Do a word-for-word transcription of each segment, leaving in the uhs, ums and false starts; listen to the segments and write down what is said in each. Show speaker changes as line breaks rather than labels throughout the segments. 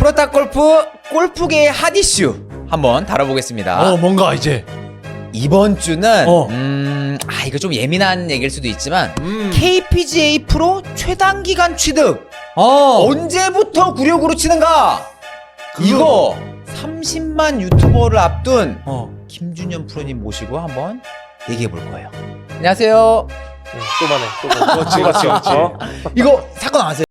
프로타 골프 골프계의 핫 이슈 한번 다뤄보겠습니다.
어 뭔가 이제
이번 주는
어.
음, 아 이거 좀 예민한 얘기일 수도 있지만
음.
케이피지에이 프로 최단기간 취득
어
언제부터 구력으로 치는가?
그거.
이거 삼십만 유튜버를 앞둔
어.
김준현 프로님 모시고 한번 얘기해 볼 거예요. 안녕하세요.
응, 또만해. 또만해.
그렇지, 그렇지, 그렇지.
어?
이거 사건 아세요?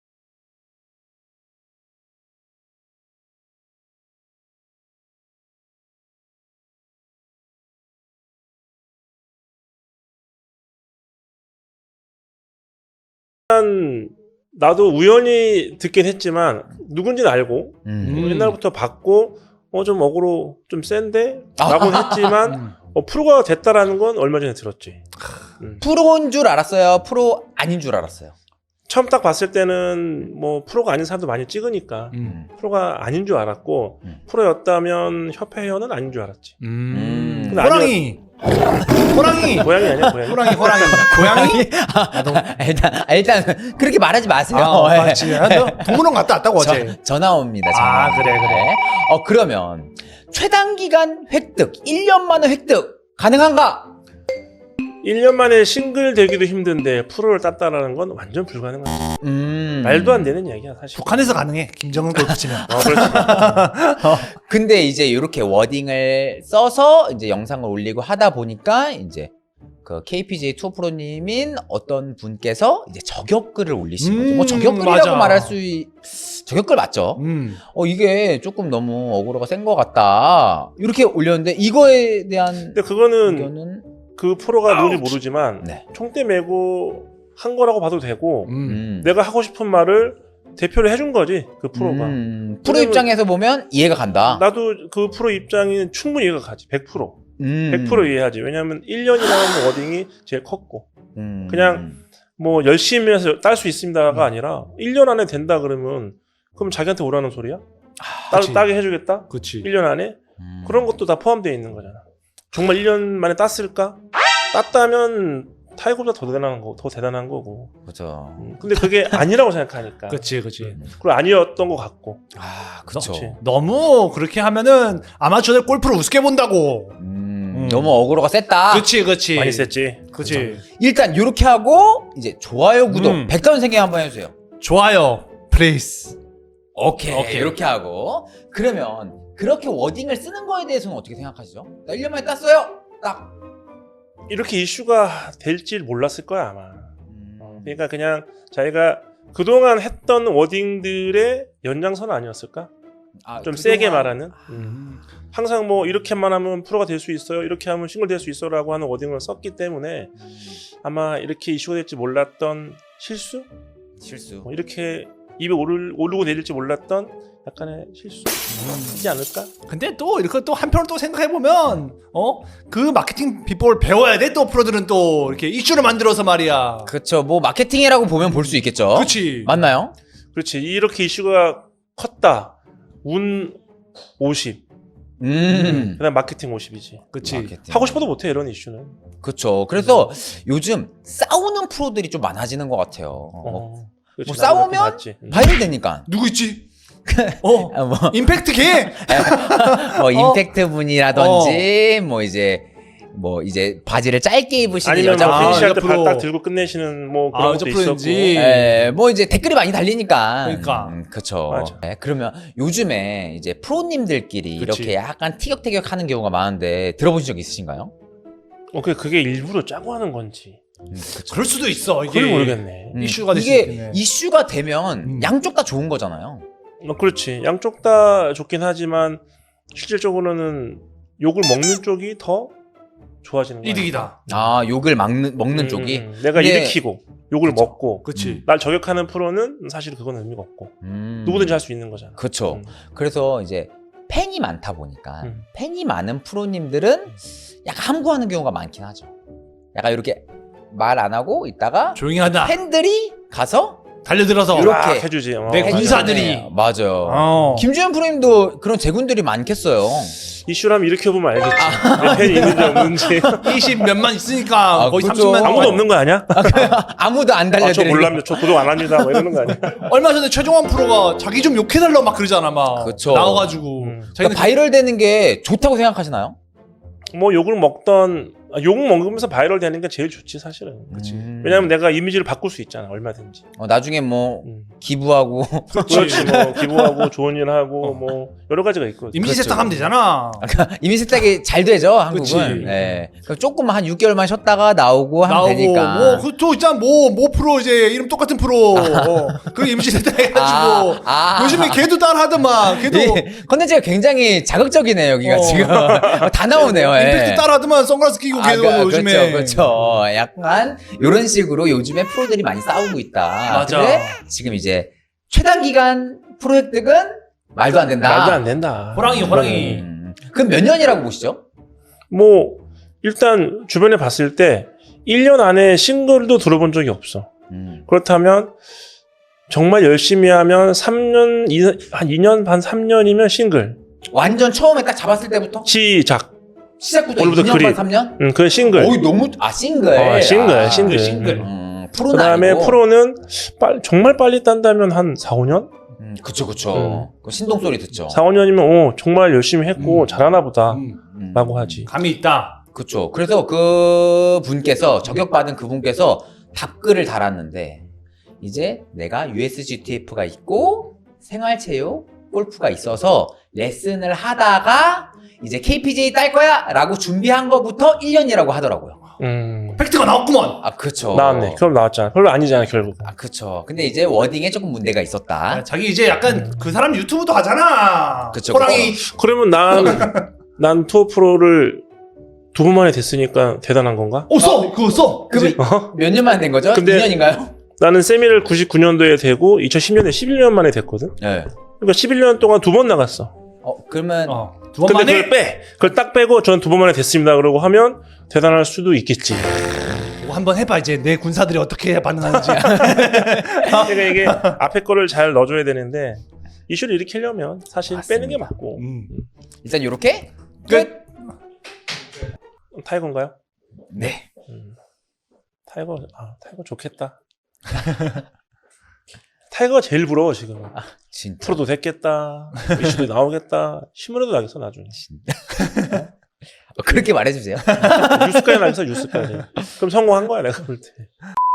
나도 우연히 듣긴 했지만 누군지는 알고
음.
어, 옛날부터 봤고 어 좀 어그로 좀 센데?
아.
라고는 했지만 어, 프로가 됐다라는 건 얼마 전에 들었지. 음.
프로인 줄 알았어요? 프로 아닌 줄 알았어요?
처음 딱 봤을 때는 뭐 프로가 아닌 사람도 많이 찍으니까
음.
프로가 아닌 줄 알았고
음.
프로였다면 협회 회원은 아닌 줄 알았지.
음.
근데
호랑이. 호랑이.
고양이 아니야 고양이.
호랑이 호랑이. 고양이?
일단 아, 일단 그렇게 말하지 마세요.
아,
예.
맞지. 아, 너 동물원 갔다 왔다고 어제.
저, 전화 옵니다. 전화.
아, 그래, 그래.
어 그러면 최단기간 획득 일 년 만에 획득 가능한가?
일 년 만에 싱글 되기도 힘든데 프로를 땄다라는 건 완전 불가능하지.
음.
말도 안 되는 이야기야 사실.
북한에서 가능해. 김정은 골프 치면.
어, 그렇지.
근데 이제 이렇게 워딩을 써서 이제 영상을 올리고 하다 보니까 이제 그 케이피지에이 투어 프로님인 어떤 분께서 이제 저격글을 올리신 거죠. 뭐
음,
저격글이라고
맞아.
말할 수 있... 저격글 맞죠?
음.
어 이게 조금 너무 어그로가 센 것 같다. 이렇게 올렸는데 이거에 대한
근데 그거는
의견은
그 프로가 누군지 모르지만
네.
총대 메고 한 거라고 봐도 되고
음.
음.
내가 하고 싶은 말을 대표를 해준 거지 그 프로가.
음, 프로
왜냐면
입장에서 보면 이해가 간다.
나도 그 프로 입장이 충분히 이해가 가지. 백 퍼센트.
음.
백 퍼센트 이해하지. 왜냐하면 일 년이라는 워딩이 제일 컸고
음.
그냥 뭐 열심히 해서 딸 수 있습니다가 아니라 일 년 안에 된다 그러면 그럼 자기한테 오라는 소리야?
아,
따,
그치.
따게 해주겠다?
그렇지.
일 년 안에?
음.
그런 것도 다 포함되어 있는 거잖아. 정말 일 년 만에 땄을까? 땄다면 타이거보다 더 대단한 거, 더 대단한 거고.
그죠.
음, 근데 그게 아니라고 생각하니까.
그렇지, 그렇지.
그리고 아니었던 것 같고.
아, 그렇죠.
그치.
너무 그렇게 하면은 아마추어들 골프를 우습게 본다고.
음,
음.
너무 어그로가 셌다.
그렇지, 그렇지.
많이 셌지.
그렇지.
일단 이렇게 하고 이제 좋아요, 구독,
음.
백다운 생각 한번 해주세요.
좋아요, 플레이스.
오케이,
오케이.
이렇게 하고 그러면 그렇게 워딩을 쓰는 거에 대해서는 어떻게 생각하시죠? 나 일 년 만에 땄어요. 딱.
이렇게 이슈가 될지 몰랐을 거야, 아마.
음.
그러니까 그냥 자기가 그동안 했던 워딩들의 연장선 아니었을까?
아,
좀
그동안-
세게 말하는.
음.
항상 뭐 이렇게만 하면 프로가 될 수 있어요. 이렇게 하면 싱글 될 수 있어라고 하는 워딩을 썼기 때문에
음,
아마 이렇게 이슈가 될지 몰랐던 실수?
실수.
뭐 이렇게 입에 오르, 오르고 내릴지 몰랐던 약간의 실수이지 않을까?
근데 또 이렇게 또 한편으로 또 생각해 보면 어 그 마케팅 비법을 배워야 돼. 또 프로들은 또 이렇게 이슈를 만들어서 말이야.
그렇죠. 뭐 마케팅이라고 보면 볼 수 있겠죠.
그렇지.
맞나요?
그렇지. 이렇게 이슈가 컸다. 운 오십.
음.
그다음 마케팅 오십이지.
그렇지.
마케팅.
하고 싶어도 못해 이런 이슈는.
그렇죠. 그래서 요즘 싸우는 프로들이 좀 많아지는 것 같아요.
어. 그렇지.
뭐
나도 그렇게
싸우면
봤지. 음.
바이럴 되니까.
누구 있지? 어
아, 뭐,
임팩트 개.
뭐 임팩트 분이라든지 뭐 이제 뭐 이제 바지를 짧게 입으시는
아니면
여자
뭐
아,
분,
피니시할 때
옆으로.
발 딱 들고 끝내시는 뭐 그런
아,
것도
저
있었고.
프로인지.
예, 뭐 이제 댓글이 많이 달리니까.
그러니까.
음, 그쵸.
맞아.
예, 그러면 요즘에 이제 프로님들끼리
그치.
이렇게 약간 티격태격하는 경우가 많은데 들어보신 적 있으신가요?
어, 그게, 그게 일부러 짜고 하는 건지.
음, 그쵸.
그럴 수도 있어. 이게
그걸 모르겠네.
음,
이슈가 될 수
이게
있겠네.
이슈가 되면
음.
양쪽 다 좋은 거잖아요.
어, 그렇지. 양쪽 다 좋긴 하지만 실질적으로는 욕을 먹는 쪽이 더 좋아지는 거야.
이득이다.
아, 욕을 막는, 먹는
음,
쪽이.
음, 음. 내가
근데-
일으키고 욕을
그쵸.
먹고
그렇지.
날 저격하는 프로는 사실 그건 의미가 없고
음.
누구든지 할 수 있는 거잖아.
그쵸.
음.
그래서 이제 팬이 많다 보니까
음.
팬이 많은 프로님들은 약간 함구하는 경우가 많긴 하죠. 약간 이렇게 말 안 하고 있다가
조용히 하다.
팬들이 가서
달려들어서.
이렇게
막 해주지. 어.
내
해주잖아요.
군사들이.
맞아요.
어.
김주현 프로님도 그런 제군들이 많겠어요.
이슈라면 이렇게 보면 알겠지. 내 팬이 있는지 없는지.
이십 몇만 있으니까
아,
거의
그렇죠.
삼십만.
아무도 없는 거 아니야?
아무도 안
아, 저
달려드리는.
몰랍니다. 저 구독 안 합니다. 뭐 이러는 거 아니야?
얼마 전에 최종원 프로가 자기 좀 욕해달라고 막 그러잖아 막.
그쵸.
나와가지고.
음.
자기는
그러니까 바이럴 되는 게 좋다고 생각하시나요?
뭐 욕을 먹던 아, 욕 먹으면서 바이럴 되는 게 제일 좋지 사실은.
그치.
음.
왜냐면 내가 이미지를 바꿀 수 있잖아. 얼마든지.
어, 나중에 뭐
음.
기부하고
그렇지. 뭐 기부하고 좋은 일 하고
어.
뭐 여러 가지가 있거든.
이미지
그렇죠.
세탁하면 되잖아.
이미 세탁이 잘 되죠 한국은.
그치.
네. 그러니까 조금만 한 육 개월만 쉬었다가 나오고 하면
나오고
되니까.
뭐그또 있잖아 뭐 뭐 프로 이제 이름 똑같은 프로 어, 그 이미지 세탁해가지고
아, 아.
요즘에 걔도 따라하더만 걔도
이 컨텐츠가 굉장히 자극적이네요 여기가
어.
지금 다 나오네요. 예.
임팩트 따라하더만 선글라스 끼고
아,
걔도
그,
요즘에
그렇죠, 그렇죠. 약간 이런 식으로 요즘에 프로들이 많이 싸우고 있다.
맞아.
근데 지금 이제 최단 기간 프로 획득은 말도 안 된다.
말도 안 된다.
호랑이 호랑이
음, 그럼 몇 년이라고 보시죠?
뭐 일단 주변에 봤을 때 일 년 안에 싱글도 들어본 적이 없어.
음.
그렇다면 정말 열심히 하면 삼 년, 한 이 년 반, 삼 년이면 싱글.
완전 처음에 딱 잡았을 때부터
시작.
시작부터
오늘부터
이 년 반,
그립.
삼 년?
음, 그게 싱글.
어이 너무 아 싱글.
어, 싱글,
아,
싱글.
싱글.
음, 프로는
그 다음에
아니고.
프로는 빨, 정말 빨리 딴다면 한 사, 오 년?
음, 그쵸 그쵸.
음.
그 신동 소리 듣죠.
사, 오 년이면 어, 정말 열심히 했고
음.
잘하나 보다
음,
음.
라고 하지.
감이 있다.
그쵸. 그래서 그 분께서 저격받은 그 분께서 답글을 달았는데 이제 내가 유에스지티에프가 있고 생활체육 골프가 있어서 레슨을 하다가 이제 케이피지에이 딸 거야 라고 준비한 거부터 일 년이라고 하더라고요.
음,
팩트가 나왔구먼.
아 그쵸.
나왔네. 그럼 나왔잖아. 별로 아니잖아 결국.
아 그쵸. 근데 이제 워딩에 조금 문제가 있었다.
아, 자기 이제 약간 그 사람 유튜브도 하잖아.
그쵸,
호랑이
그러면 난, 난 투어 프로를 두 번 만에 됐으니까 대단한 건가?
어 써. 그거 써.
그럼
어?
몇 년 만에 된 거죠?
근데-
이 년인가요?
나는 세미를 구십구 년도에 되고 이천십 년에 십일 년 만에 됐거든.
네.
그러니까 십일 년 동안 두 번 나갔어.
어 그러면
어, 두 번
근데
만에
그걸 빼. 그걸 딱 빼고 전 두 번 만에 됐습니다. 그러고 하면 대단할 수도 있겠지.
뭐 한번 해봐 이제 내 군사들이 어떻게 반응하는지.
그러니까 이게 앞에 거를 잘 넣어줘야 되는데 이슈를 일으키려면 사실
맞습니다.
빼는 게 맞고.
음.
일단 요렇게
끝.
타이거인가요?
네.
음. 타이거, 아, 타이거 좋겠다. 타이거가 제일 부러워 지금.
진짜.
프로도 됐겠다. 이슈도 나오겠다. 신문에도 나겠어 나중에.
어, 그렇게 말해주세요.
뉴스까지 나겠어 뉴스까지. 그럼 성공한 거야 내가 볼 때.